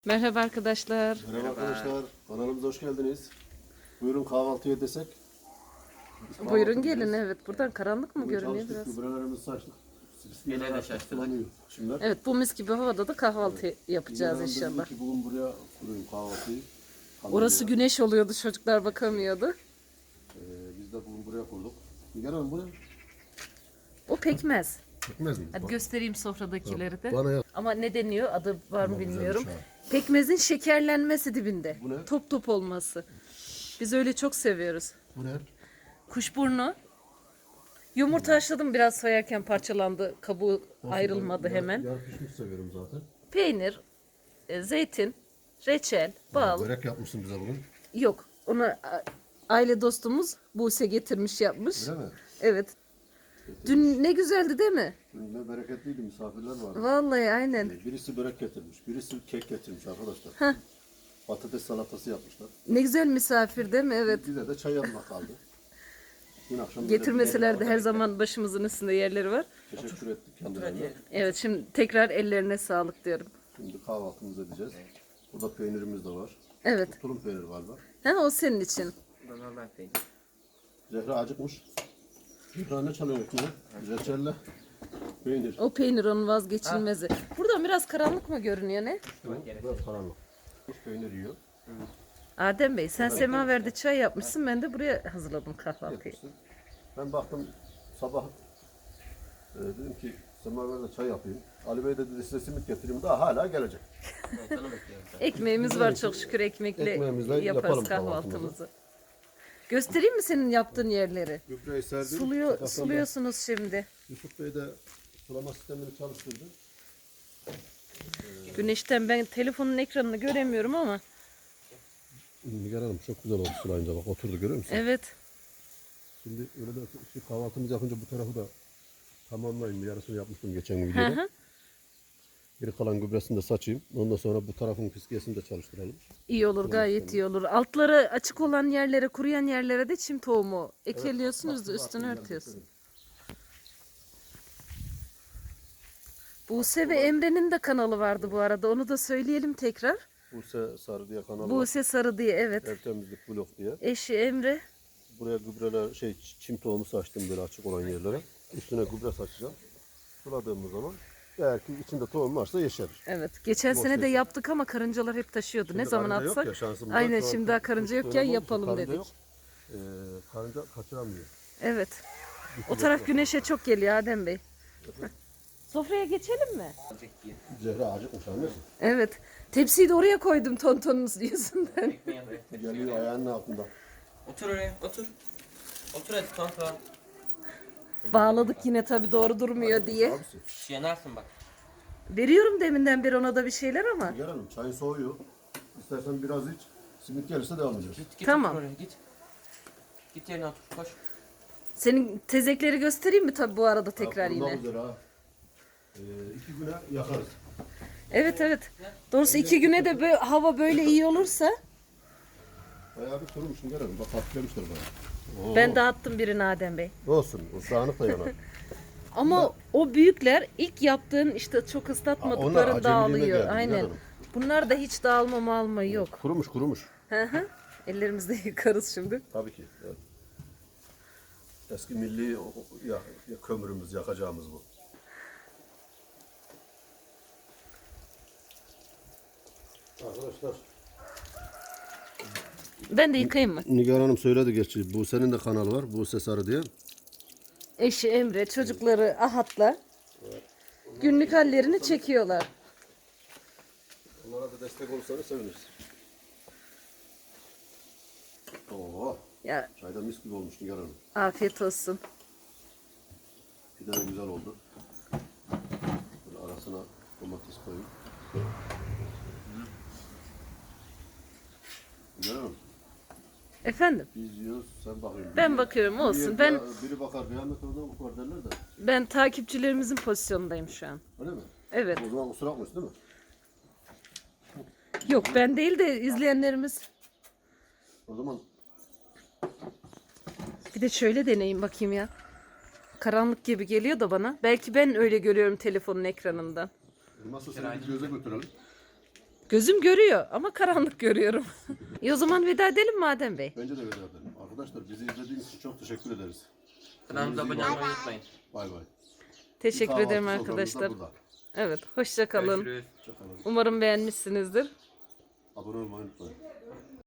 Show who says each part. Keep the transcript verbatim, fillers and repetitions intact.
Speaker 1: Merhaba arkadaşlar.
Speaker 2: Merhaba arkadaşlar, kanalımıza hoş geldiniz. Buyurun kahvaltıya desek. Biz kahvaltı
Speaker 1: Buyurun gelin,
Speaker 2: edeceğiz.
Speaker 1: evet. Buradan karanlık mı
Speaker 2: Bugün
Speaker 1: görünüyor
Speaker 2: çalıştık,
Speaker 1: biraz?
Speaker 2: gübrelerimizi saçtık.
Speaker 3: Gene de
Speaker 2: Bismillah,
Speaker 3: şaştık.
Speaker 2: kullanıyor Şimdiler.
Speaker 1: Evet, bu mis gibi havada da kahvaltı yapacağız
Speaker 2: Yarın dedim
Speaker 1: inşallah.
Speaker 2: ki bugün buraya kurayım kahvaltıyı. Kalın
Speaker 1: Orası
Speaker 2: diye.
Speaker 1: güneş oluyordu, çocuklar bakamıyordu.
Speaker 2: Ee, biz de bugün buraya kurduk. Nigar Hanım buraya.
Speaker 1: O pekmez.
Speaker 2: Çekmez mi?
Speaker 1: Hadi göstereyim sofradakileri de.
Speaker 2: Bana yap.
Speaker 1: Ama ne deniyor? Adı var mı
Speaker 2: Ama
Speaker 1: bilmiyorum.
Speaker 2: güzelmiş
Speaker 1: Pekmezin şekerlenmesi dibinde.
Speaker 2: Bu ne?
Speaker 1: Top top olması. Biz öyle çok seviyoruz.
Speaker 2: Bu ne?
Speaker 1: Kuşburnu. Yumurta haşladım, biraz soyarken parçalandı. Kabuğu ayrılmadı
Speaker 2: Yar-
Speaker 1: hemen.
Speaker 2: Yar pişmiş seviyorum zaten.
Speaker 1: Peynir, e, zeytin, reçel, bal.
Speaker 2: Börek yapmışsın bize bugün.
Speaker 1: Yok. Onu a- aile dostumuz Buse getirmiş, yapmış.
Speaker 2: Öyle mi?
Speaker 1: Evet. Dün ne güzeldi değil mi?
Speaker 2: Dün ne bereketliydi, misafirler vardı.
Speaker 1: Vallahi aynen.
Speaker 2: Ee, Birisi börek getirmiş, birisi kek getirmiş arkadaşlar. Patates salatası yapmışlar.
Speaker 1: Ne güzel misafir değil mi? Evet.
Speaker 2: Bize de çay yapmak kaldı. Dün akşam
Speaker 1: Getirmeseler de her zaman başımızın üstünde yerleri var.
Speaker 2: teşekkür ettik kendilerine.
Speaker 1: Evet, şimdi tekrar ellerine sağlık diyorum.
Speaker 2: Şimdi kahvaltımızı edeceğiz. Burada peynirimiz de var.
Speaker 1: Evet.
Speaker 2: Tulum peyniri galiba.
Speaker 1: Ha, o senin için.
Speaker 3: Bu da normal peynir.
Speaker 2: Zehra acıkmış. Zehra ne çalıyor ekmeğe? Reçelle. Peynir.
Speaker 1: O peynir onun vazgeçilmezi. Buradan biraz karanlık mı görünüyor ne?
Speaker 2: Biraz karanlık. Peynir yiyor.
Speaker 1: Adem Bey, sen semaverde çay yapmışsın, ben de buraya hazırladım kahvaltıyı.
Speaker 2: Yapmışsın. Ben baktım sabah e, dedim ki semaverde çay yapayım. Ali Bey de dedi size simit getireyim. Daha hala gelecek.
Speaker 3: Evet, onu bekliyorum.
Speaker 1: Ekmeğimiz var çok şükür, ekmekle
Speaker 2: Ekmeğimizle
Speaker 1: yaparız
Speaker 2: yapalım
Speaker 1: kahvaltımızı.
Speaker 2: kahvaltımızı.
Speaker 1: Göstereyim mi senin yaptığın yerleri?
Speaker 2: Gübreyi serdim.
Speaker 1: Suluyor,
Speaker 2: Zaten
Speaker 1: suluyorsunuz şimdi.
Speaker 2: Yusuf Bey de sulama sistemini çalıştırdı.
Speaker 1: Güneşten ben telefonun ekranını göremiyorum ama.
Speaker 2: Nigar Hanım çok güzel oldu sulayınca bak oturdu görüyor musun?
Speaker 1: Evet.
Speaker 2: Şimdi öyle de işte kahvaltımızı yapınca bu tarafı da tamamlayayım. Yarısını yapmıştım geçen
Speaker 1: Hı
Speaker 2: videoda.
Speaker 1: hı.
Speaker 2: Geri kalan gübresini de saçayım. Ondan sonra bu tarafın fiskiyesini de çalıştıralım.
Speaker 1: İyi olur, gayet iyi olur. Altları açık olan yerlere, kuruyan yerlere de çim tohumu ekeliyorsunuz da üstünü örtüyorsun. Buse ve Emre'nin de kanalı vardı bu arada. Onu da söyleyelim tekrar.
Speaker 2: Buse Sarı diye kanal var.
Speaker 1: Buse Sarı diye, evet.
Speaker 2: Ev temizlik blok diye.
Speaker 1: Eşi Emre.
Speaker 2: Buraya gübreler şey çim tohumu saçtım böyle açık olan yerlere. Üstüne gübre saçacağım. Suladığımız zaman eğer ki içinde tohum varsa yeşerir.
Speaker 1: Evet. Geçen
Speaker 2: Boş
Speaker 1: sene de
Speaker 2: yeşil.
Speaker 1: yaptık ama karıncalar hep taşıyordu. Ne zaman
Speaker 2: Karınca yok
Speaker 1: atsak?
Speaker 2: ya, şansımıza.
Speaker 1: Aynen,
Speaker 2: Şu an
Speaker 1: şimdi daha
Speaker 2: kuş-
Speaker 1: karınca
Speaker 2: kuş
Speaker 1: yokken
Speaker 2: dönemi olmuş,
Speaker 1: yapalım
Speaker 2: karınca
Speaker 1: dedik.
Speaker 2: yok. Ee, karınca kaçıramıyor.
Speaker 1: Evet. O taraf güneşe çok geliyor Adem Bey. Sofraya geçelim mi?
Speaker 3: Azıcık yiyin.
Speaker 2: Zehra acıkmış anlıyorsun.
Speaker 1: Evet. Tepsiyi de oraya koydum tontonunuz yüzünden.
Speaker 3: Ekmeğe bırak.
Speaker 2: Geliyor ayağının altında.
Speaker 3: Otur oraya, otur. Otur hadi tonton.
Speaker 1: Bağladık yine tabii, doğru durmuyor diye.
Speaker 2: Abisi.
Speaker 3: Şş, yanarsın bak.
Speaker 1: Veriyorum deminden beri ona da bir şeyler ama.
Speaker 2: Nigar Hanım çayın soğuyor. İstersen biraz iç. Simit gelirse devam edeceğiz.
Speaker 3: Git git
Speaker 1: Tamam.
Speaker 3: otur oraya git. Git yerine otur koş.
Speaker 1: Senin tezekleri göstereyim mi tabii bu arada tekrar
Speaker 2: Ya,
Speaker 1: yine?
Speaker 2: kurban üzere ha. Ee, iki güne yakarız.
Speaker 1: Evet evet. Doğrusu iki güne de böyle, hava böyle iyi olursa.
Speaker 2: Bayağı bir kurumuş Nigar Hanım. Bak hafiflemiştir bayağı. Oo.
Speaker 1: Ben dağıttım birini Adem Bey.
Speaker 2: Olsun. O dağınık da yanar.
Speaker 1: Ama o büyükler ilk yaptığın işte çok
Speaker 2: Aa, onlar
Speaker 1: ıslatmadıkları
Speaker 2: acemiliğine
Speaker 1: dağılıyor.
Speaker 2: geldi,
Speaker 1: Aynen.
Speaker 2: biliyorum.
Speaker 1: Bunlar da hiç dağılma malma yok.
Speaker 2: kurumuş kurumuş.
Speaker 1: Hı hı. Ellerimizde yıkarız şimdi.
Speaker 2: Tabii ki. Evet. Eski milli o- o- ya, ya kömürümüz, yakacağımız bu. Arkadaşlar.
Speaker 1: Ben de yıkayayım mı?
Speaker 2: Nigar Hanım söyledi gerçi. Buse'nin de kanalı var. Buse Sarı diye.
Speaker 1: Eşi Emre, çocukları Ahat'la günlük hallerini çekiyorlar.
Speaker 2: Onlara da destek olursanız seviniriz. Oo,
Speaker 1: Ya
Speaker 2: çay da mis gibi olmuş Nigar Hanım.
Speaker 1: afiyet olsun.
Speaker 2: Bir de güzel oldu. Böyle arasına domates koyayım. Nigar Hanım,
Speaker 1: Efendim?
Speaker 2: biz yiyoruz, sen bakıyorsun.
Speaker 1: Ben bakıyorum, olsun. Ben
Speaker 2: Biri bakar, kıyamet orada bakar derler de.
Speaker 1: ben takipçilerimizin pozisyonundayım şu an.
Speaker 2: Öyle mi?
Speaker 1: Evet.
Speaker 2: O zaman kusura bakmıyorsun değil mi?
Speaker 1: Yok, ben değil de izleyenlerimiz.
Speaker 2: O zaman
Speaker 1: Bir de şöyle deneyeyim bakayım ya. Karanlık gibi geliyor da bana. Belki ben öyle görüyorum telefonun ekranından.
Speaker 2: nasıl seni bir göze götürelim.
Speaker 1: Gözüm görüyor ama karanlık görüyorum. İyi o zaman veda edelim mi Adem Bey?
Speaker 2: Bence de veda edelim. Arkadaşlar bizi izlediğiniz için çok teşekkür ederiz.
Speaker 3: Kanalımıza abone olmayı unutmayın.
Speaker 2: Bay bay.
Speaker 1: Teşekkür
Speaker 2: Kahvaltı
Speaker 1: ederim
Speaker 2: soframız da
Speaker 1: arkadaşlar.
Speaker 2: burada.
Speaker 1: Evet, hoşça kalın.
Speaker 3: Görüşürüz.
Speaker 2: Hoşça kalın.
Speaker 1: Umarım beğenmişsinizdir.
Speaker 2: Abone olmayı unutmayın.